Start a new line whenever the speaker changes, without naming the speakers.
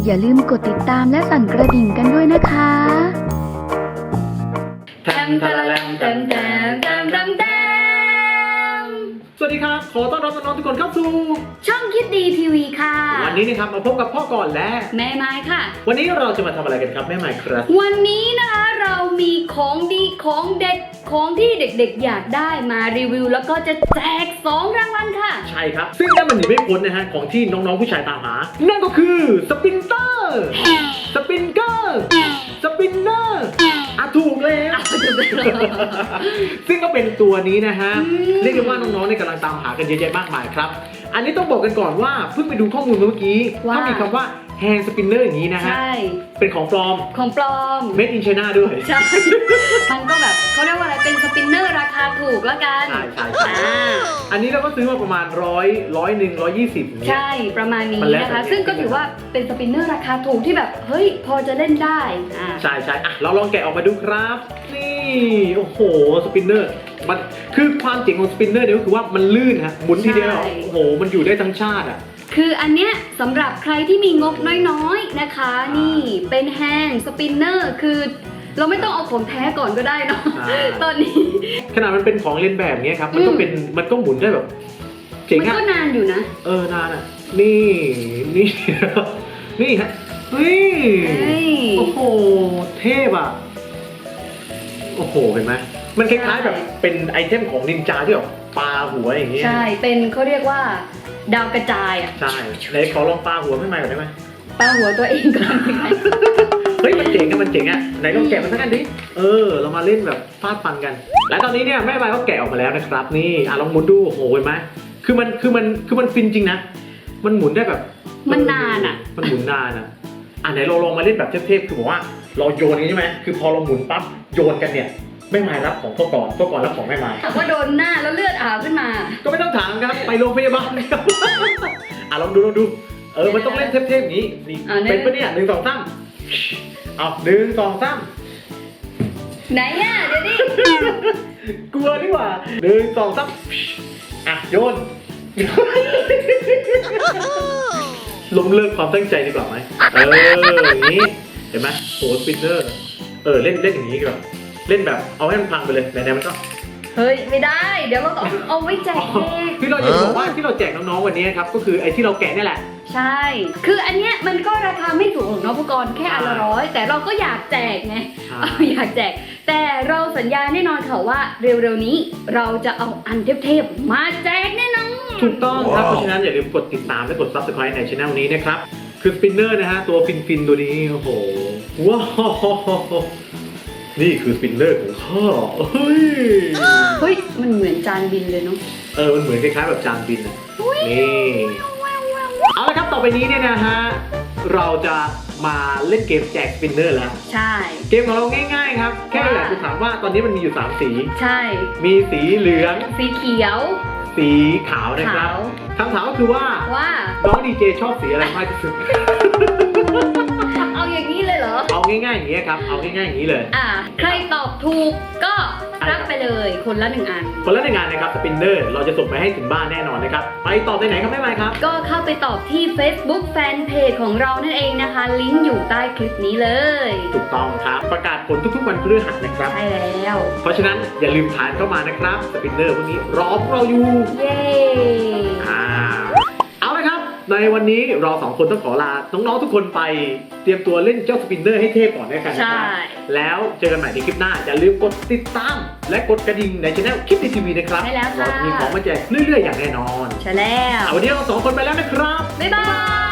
อย่าลืมกดติดตามและสั่นกระดิ่งกันด้วยนะคะ
สวัสดีครับขอต้อนรับน้องๆทุกคนเข้าสู่
ช่องคิดดีทีวีค่ะ
วันนี้นะครับมาพบกับพ่อก่อนและ
แม่ไม้ค่ะ
วันนี้เราจะมาทำอะไรกันครับแม่ไม้ครับ
วันนี้นะคะเรามีของดีของเด็ดของที่เด็กๆอยากได้มารีวิวแล้วก็จะแจก2รางวัลค่ะ
ใช่ครับซึ่งนั่นมันหนีไม่พ้นนะฮะของที่น้องๆผู้ชายตามหานั่นก็คือสปินเตอร์สปินเกอร์สปินเนอร์ถูกแล้วซึ่งก็เป็นตัวนี้นะฮะเรียกได้ว่าน้องๆเนี่ยกำลังตามหากันเยอะแยะมากมายครับอันนี้ต้องบอกกันก่อนว่าเพิ่งไปดูข้อมูลเมื่อกี้ถ้ามีคำว่าแฮนด์สปินเนอร์อย่างนี้นะฮะเป็นของปลอมMade in China ด้วย
ใช่มันก็แบบเขาเรียกว่าอะไรเป็นสปินเนอร์ราคาถูกแล้วกัน
ใช่อันนี้เราก็ซื้อมาประมาณ100 120ใ
ช่ประมาณนี้นะคะซึ่งก็ถือว่าเป็นสปินเนอร์ราคาถูกที่แบบเฮ้ยพอจะเล่นได้
ใช่เราลองแกะออกมาดูครับนี่โอ้โหสปินเนอร์มันคือความเจ๋งของสปินเนอร์เนี่ยก็คือว่ามันลื่นฮะหมุนทีเดียวโอ้โหมันอยู่ได้ทั้งชาติอ่ะ
คืออันเนี้ยสำหรับใครที่มีงบน้อยๆนะคะนี่เป็นแฮนด์สปินเนอร์คือเราไม่ต้องเอาของแท้ก่อนก็ได้เนาะตอนนี้
ขนาดมันเป็นของเล่นแบบนี้ครับมันก็หมุนได้แบบ
เจ๋งอะมันก็นานอยู่นะ
นานอ่ะนี่ฮะเฮ้ยโอ้โหเทพอ่ะโอ้โหเห็นไหมมันคล้ายๆแบบเป็นไอเทมของนินจาที่แบบปาหัวอย่างเงี้ย
ใช่เป็นเขาเรียกว่าดาวกระจายอ่ะ
ใช่ไหนขอลองปาหัวไม่ใหม่ก่อนได้ไหม
ปาหัวตัวเองก่อน
เฮ้ยมันเจ๋งอ่ะไหนลองแกะมันสักอันดิเรามาเล่นแบบฟาดฟันกันและตอนนี้เนี่ยแม่ใบเขาแกะออกมาแล้วนะครับนี่ลองหมุนดูโอ้โหเห็นไหมคือมันฟินจริงนะมันหมุนได้แบบ
มันนานอ่ะ
มันหมุนนานอ่ะไหนเราลองมาเล่นแบบเทพๆคือบอกว่าเราโยนกันใช่ไหมคือพอเราหมุนปั๊บโยนกันเนี่ยแม่ไม้รับของพ่อก่อนรับของแม่ไม้
ถามว่าโดนหน้าแล้วเลือดอาบขึ้นมา
ก็ไม่ต้องถามครับไปโรงพยาบาลครับลองดูมันต้องเล่นเทพๆอย่างนี้นี่เป็นปะเนี่ย1 2 3เอา1 2 3
ไหนอ่ะเดี๋ยวดิ
กลัวดีกว่า1 2 3โยนล้มเลิกความตั้งใจดีกว่าไหมอย่างนี้เห็นไหมโหสปินเนอร์เล่นอย่างนี้ดีกว่าเล่นแบบเอาให้มันพังไปเลยไหนๆมันก็
เฮ้ยไม่ได้เดี๋ยวเราต้องเอาไว้แจก
ที่เราอยากบอกว่าที่เราแจกน้องๆวันนี้ครับก็คือไอ้ที่เราแกะนี่แหละ
ใช่คืออันเนี้ยมันก็ราคาไม่ถูกหรอกเนาะผู้กรแค่อันละ100แต่เราก็อยากแจกไงอยากแจกแต่เราสัญญาแน่นอนค่ะว่าเร็วๆนี้เราจะเอาอันเทพๆมาแจกแน่นอน
ถูกต้องครับเพราะฉะนั้นอย่าลืมกดติดตามและกด Subscribe ในช่องนี้นะครับคือสปินเนอร์นะฮะตัวฟินตัวนี้โอ้โหว้าวนี่คือสปินเนอร์ของข้า
เฮ้ยมันเหมือนจานบินเลยเนาะ
มันเหมือนคล้ายๆแบบจานบินนะนี่เอาละครับต่อไปนี้เนี่ยนะฮะเราจะมาเล่นเกมแจกสปินเนอร์แล้ว
ใช่
เกมของเราง่ายๆครับแค่อยากจะถามว่าตอนนี้มันมีอยู่3สี
ใช่
มีสีเหลือง
สีเขียว
สีขาวนะครับคำถามก็คือว่าน้องดีเจชอบสีอะไรมากที่สุด
เอาอย่างนี้เลยเหรอ
เอาง่ายๆอย่างนี้ครับเอาง่ายๆอย่างนี้เลย
ใครตอบถูกก็รับไปเลยคนละ1 อัน
นะครับสปินเนอร์เราจะส่งไปให้ถึงบ้านแน่นอนนะครับไปตอบที่ไหนครับแม่ไม้ครับ
ก็เข้าไปตอบที่ Facebook Fanpage ของเรานั่นเองนะคะลิงก์อยู่ใต้คลิปนี้เลย
ถูกต้องครับประกาศผลทุกๆวันพฤหัสนะครับ
ใช่แล้ว
เพราะฉะนั้นอย่าลืมทานเข้ามานะครับสปินเนอร์พวกนี้รอเราอยู่
เย้
เอาละครับในวันนี้เรา2 คนต้องขอลาน้องๆทุกคนไปเตรียมตัวเล่นเจ้าสปินเนอร์ให้เทพก่อนนะครับแล้วเจอกันใหม่ในคลิปหน้าอย่าลืมกดติดตามและกดกระดิ่งในช่องคลิปในทีวีนะครับ
ใช่แล้วค่ะ
เราจะมีของมาแจกเรื่อยๆอย่างแน่นอน
ใช่แล้ว
วันนี้เรา2 คนไปแล้วนะครับ
บ๊ายบาย